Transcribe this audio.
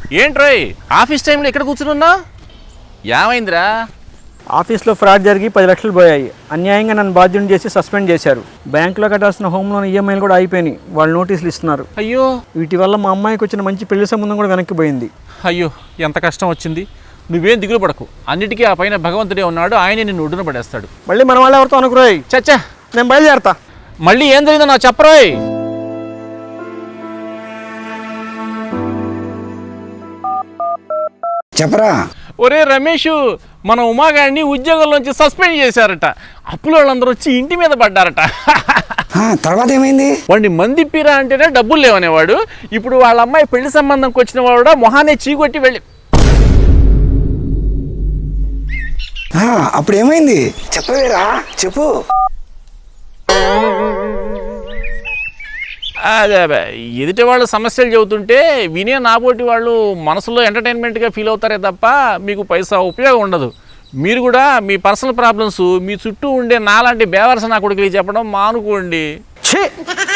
ఏంట్రోయ్ office టైంలో ఎక్కడ కూర్చున్నా? ఏమైందిరా? ఆఫీస్లో ఫ్రాడ్ జరిగి 10 లక్షలు పోయాయి. అన్యాయంగా నన్ను బాధ్యుని చేసి సస్పెండ్ చేశారు. బ్యాంకులో కట్టాల్సిన హోమ్ లోన్ ఈఎంఐలు కూడా అయిపోయినాయి. వాళ్ళు నోటీసులు ఇస్తున్నారు. అయ్యో, వీటి వల్ల మా అమ్మాయికి వచ్చిన మంచి పెళ్లి సంబంధం కూడా వెనక్కిపోయింది. అయ్యో ఎంత కష్టం వచ్చింది. నువ్వేం దిగులు పడకు, అన్నిటికీ ఆ పైన భగవంతుడే ఉన్నాడు, ఆయనే నిన్ను ఒడ్డున పడేస్తాడు. మళ్ళీ మన వాళ్ళు ఎవరితో అనుకురాయి. చచ్చా, నేను బయలుదేరతా. మళ్ళీ ఏం జరిగిందో నాకు చెప్పరోయ్. చెప్పరా. ఒరే రమేష్, మన ఉమాగాడిని ఉద్యోగంలోంచి సస్పెండ్ చేశారట. అప్పుల వాళ్ళందరూ వచ్చి ఇంటి మీద పడ్డారట. తర్వాత ఏమైంది? వాడిని మందిప్పిరా అంటేనే డబ్బులు లేవనేవాడు. ఇప్పుడు వాళ్ళ అమ్మాయి పెళ్లి సంబంధంకి వచ్చిన వాడు మొహాన్ని చీకొట్టి వెళ్ళి. అప్పుడు ఏమైంది చెప్పవేరా, చెప్పు. అదే ఎదుటి వాళ్ళు సమస్యలు చెబుతుంటే వినే నాబోటి వాళ్ళు మనసులో ఎంటర్టైన్మెంట్గా ఫీల్ అవుతారే తప్ప మీకు పైసా ఉపయోగం ఉండదు. మీరు కూడా మీ పర్సనల్ ప్రాబ్లమ్స్ మీ చుట్టూ ఉండే నాలాంటి బేవర్స నా కొడుకులు చెప్పడం మానుకోండి. ఛీ